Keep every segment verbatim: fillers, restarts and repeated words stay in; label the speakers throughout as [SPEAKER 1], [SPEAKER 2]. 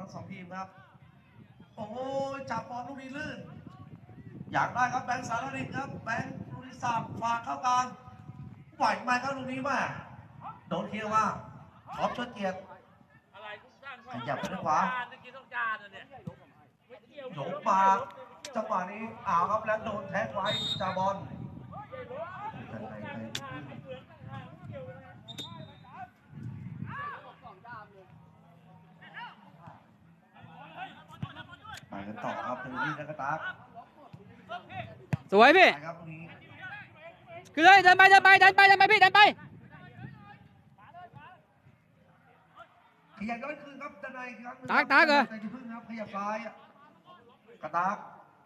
[SPEAKER 1] ทั้งสองทีมครับโอ้ยจับบอลลูกนี้ลื่นอยากได้ครับแบงค์สารดินครับแบงค์ลูกนี้สับฝากเข้ากลางไหวไหมครับลูกนี้มาโดนเคลียร์ว่าท็อปเชิดเกียรติขยับไปทางขวาโยกมาจังหวะนี้อ้าวครับแล้วโดนแท็กไว้จาบอลไปกันต่อครับเป็นที่นักตา
[SPEAKER 2] สวยพี่คือเลยเดินไปเดินไปเดินไปเดินไปพี่เดินไป
[SPEAKER 1] ขยับย้อนคืนครับด้านในครับ
[SPEAKER 2] ตากตากเหรอ
[SPEAKER 1] ใจที่พึ่งครับขยับซ้ายกระตาก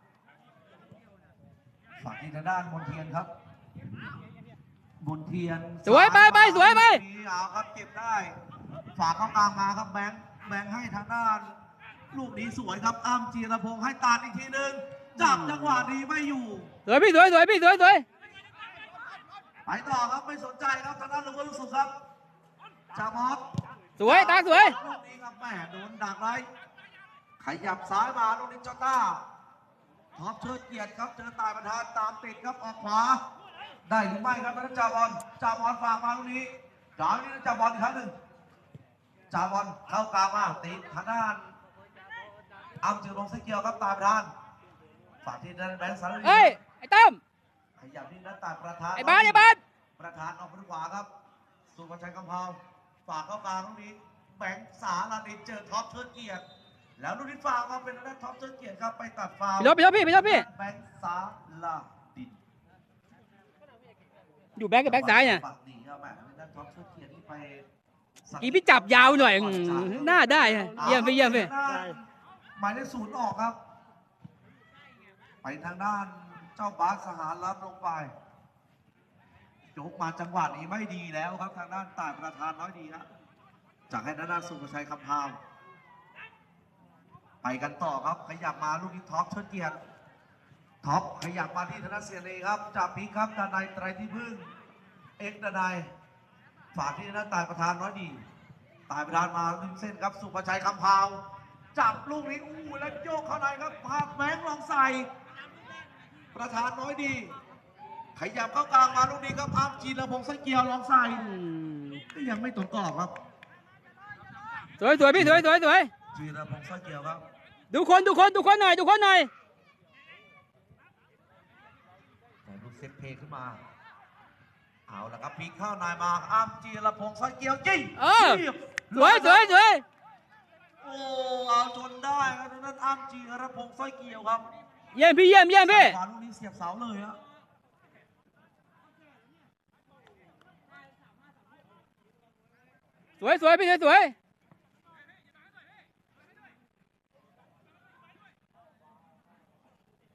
[SPEAKER 1] ฝากที่ทางด้านมนเทียนครับมนเทียน
[SPEAKER 2] สวยไปไปสวยไป
[SPEAKER 1] เอาครับเก็บได้ฝากเข้ากลางมาครับแบงค์แบงค์ให้ทางด้านลูกนี้สวยครับอ้ำจีรพงษ์ให้ตาดอีกทีหนึ่งจับจังหวะนี้ไม่อยู่
[SPEAKER 2] สวยพี่สวยสวยพี่สวยสวย
[SPEAKER 1] ไปต่อครับไม่สนใจครับทางด้านลูกลูกสุดครับจามอส
[SPEAKER 2] สวยตาสวย
[SPEAKER 1] ลูกนี้ครับแม่โดนดักไว้ขยับซ้ายมาลูกนี้จอต้าท็อปเชิดเกียรติครับเจอตายประธานตามติดครับออกขวาได้หรือไม่ครับนักจ่าบอลจ่าบอลฝากมาลูกนี้จ่าลูกนี้จ่าบอลอีกครั้งหนึ่งจ่าบอลเข้ากลางมาติดทางด้านอัมจือลงเสเกียวครับตายประธานฝากที่ด้านแบงค์สารลี
[SPEAKER 2] เฮ้ยไอ้ตั้ม
[SPEAKER 1] ขยับที่ด้านตายประธาน
[SPEAKER 2] ไอ้บ้านไอ้บ้าน
[SPEAKER 1] ประธานออกไปขวาครับสุภชัยกำเพาฝากเข้ากลางลูกนี้แบงค์สาลาดินเจอท็อปเชิดเกียรติแล้วลูกนี้ฝากมาเป็นด้านท็อปเชิดเกียรติครับไปตัดฟาว
[SPEAKER 2] พี่ยศพี่ยศพี่พี่ยศพี่
[SPEAKER 1] แบงค์สาลาดิน
[SPEAKER 2] อยู่แบ็คกับแบ็คซ้ายเนี่ย
[SPEAKER 1] ดีครับแม่ด้านท็อปเชิดเกียรติที่ไป
[SPEAKER 2] อีพี่จับยาวหน่อยหน้าได้เยี่ยมพี่เยี่ยมพี่
[SPEAKER 1] หมายเลขศูนย์ออกครับไปทางด้านเจ้าบาสสหารรับลงไปโจกมาจังหวะนี้ไม่ดีแล้วครับทางด้านต่ายประธานน้อยดีครับจากให้ด้านสุภชัยคำพาวไปกันต่อครับขยับมาลูกนี้ท็อปเชิดเกียรติท็อปขยับมาที่ธนเสียรีครับจากพีครับดานายไตรที่พึ่งเอ็กดานายฝากที่ด้านต่ายประธานน้อยดีต่ายประธานมาริมเส้นครับสุภชัยคำพาวจับลูกนี้อู้แล้วโยกเข้าในครับพาแบงค์ลองใส่ประธานน้อยดีขยับเข้ากลางมาลูกนี้ครับอ้ำจีรพงษ์ไส้เกียวลองใส่ก็ยังไม่ตรงกรอบครับ
[SPEAKER 2] สวยสวยพี่สวยสวยสวย
[SPEAKER 1] จีรพงษ์ไส้เกียวครับ
[SPEAKER 2] ดูคนดูคนดูคนหน่อยดูคนหน่อย
[SPEAKER 1] แต่ลูกเซตเพย์ขึ้นมาเอาละครับพีเข้านายมาอ้ำจีรพงษ์ไส้เกียวจี้
[SPEAKER 2] เออสวยสวยสวย
[SPEAKER 1] โอ้เอาจนได้ครับนั่นอ้ำจีรพงษ์ไส้เกียวครับ
[SPEAKER 2] เยี่ยมพี่เยี่ยมเยี่ยมพี่
[SPEAKER 1] ขวาลูกนี้เสียบเสาเลยฮะ
[SPEAKER 2] สวยสวยพี่สวยสวย